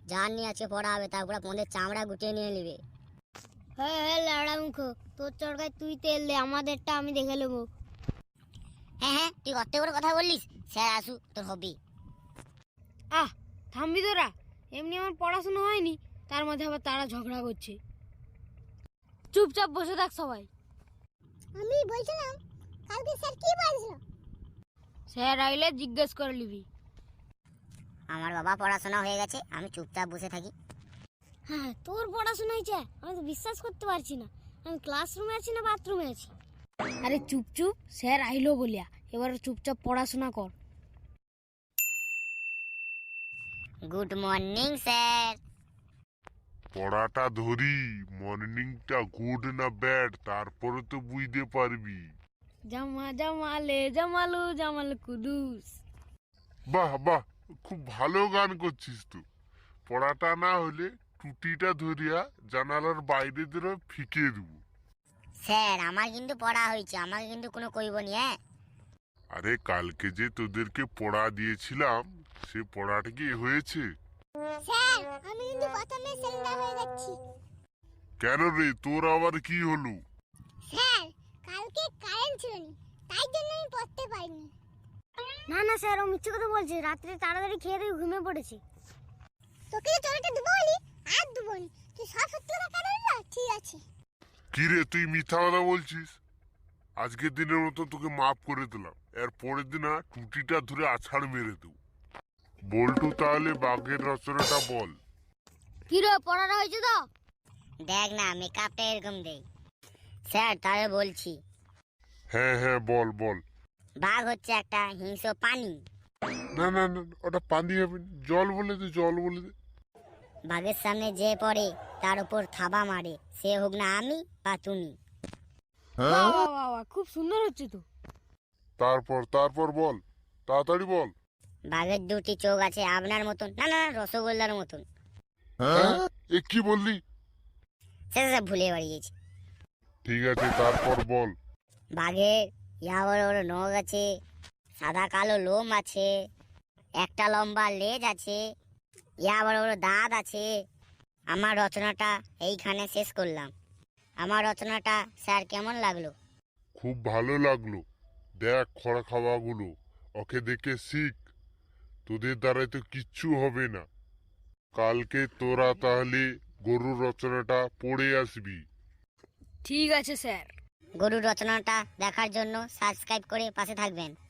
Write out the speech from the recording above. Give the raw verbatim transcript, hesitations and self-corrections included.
যার নিয়ে আজকে পড়া হবে তারপর আপনাদের চামড়া গুটিয়ে নিয়ে নেবে। হ্যাঁ হ্যাঁ লাউড়া মুখ, তোর চরকায় তুই তেল দে, আমাদেরটা আমি দেখে নেবো। হ্যাঁ হ্যাঁ তুই কত করে কথা বললিস, স্যার আসু তোর হবে। আহ থামবি তোরা, এমনি আমার পড়াশোনা হয়নি, তার মধ্যে আবার তারা ঝগড়া করছে। চুপচাপ বসে থাক সবাই। আমি বলছিলাম কালকে স্যার কি বলছিল? স্যার আইলে জিজ্ঞেস করে নিবি। আমার বাবা পড়াশোনা হয়ে গেছে, আমি চুপচাপ বসে থাকি। হ্যাঁ তোর পড়াশোনা হয়েছে, আমি তো বিশ্বাস করতে পারছি না। আমি ক্লাসরুমে আছি না বাথরুমে আছি? আরে চুপ চুপ, স্যার আইলো বলিয়া, এবার চুপচাপ পড়াশোনা কর। Good morning sir. পড়াটা ধরি, মর্নিংটা গুড না ব্যাড তারপরে তো বুঝতে পারবি। জামা জামালে জামালু জামাল কুদুস। বাহ বাহ, খুব ভালো গান করছিস তো। পড়াটা না হলে টুটিটা ধরিয়া জানালার বাইরে ধরে ফিকে দেবো। স্যার আমার কিন্তু পড়া হয়েছে, আমাকে কিন্তু কোনো কইব নি। হ্যাঁ আরে কালকে যে তোদেরকে পড়া দিয়েছিলাম সে পড়াটা কি হয়েছে? স্যার আমি কিন্তু প্রথমে সিলিন্ডার হয়ে যাচ্ছি। কেন রে, তোর আবার কি হলো? স্যার কালকে কারেন্ট ছিল না, তাই জন্য আমি পড়তে পারিনি। না না স্যার, ও মিথ্যে কথা বলছে, রাত্রে তাড়াতাড়ি খেয়ে দিয়ে ঘুমিয়ে পড়েছে। তোকে যে চড়াটা দেবো বলি আর দেবো নি, তুই সব সত্যি কথা কেন বললা? ঠিক আছে। কি রে, তুই মিথ্যা কথা বলছিস? আজকের দিনের মতো তোকে মাফ করে দিলাম, এর পরের দিন না টুটিটা ধরে আছাড় মেরে দেবো। বল্টু তাহলে বাঘের রচনাটা বল। কি রে পড়াটা হয়েছে তো? দেখ না মেকআপটা এরকম দেই। স্যার তাহলে বলছি, হ্যাঁ হ্যাঁ বল বল। বাঘ হচ্ছে একটা হিংস্র প্রাণী। না না না, ওটা পানি হবে না, জল বলে দে, জল বলে দে। বাঘের সামনে যে পড়ে তার উপর থাবা মারে, সে হোক না আমি বা তুমি। বাহ বাহ বাহ বাহ, খুব সুন্দর হচ্ছে তো। তারপর তারপর বল, তাড়াতাড়ি বল। বাঘের দুটি চোখ আছে আপনার মতন, না না না, রসগোল্লার মতন। হ্যাঁ এ কি বললি? সে সে ভুলে বাড়িয়েছি। ঠিক আছে তারপর বল। বাঘের ইয়া বড় বড় নখ আছে, সাদা কালো লোম আছে, একটা লম্বা লেজ আছে, ইয়া বড় বড় দাঁত আছে। আমার রচনাটা এইখানে শেষ করলাম। আমার রচনাটা স্যার কেমন লাগলো? খুব ভালো লাগলো। দেখ খড়া খাওয়াগুলো, ওকে দেখে শিখ, তোদের দ্বারাই তো কিচ্ছু হবে না। কালকে তোরা তাহলে গরুর রচনাটা পড়ে আসবি। ঠিক আছে স্যার। গরুর রচনাটা দেখার জন্য সাবস্ক্রাইব করে পাশে থাকবেন।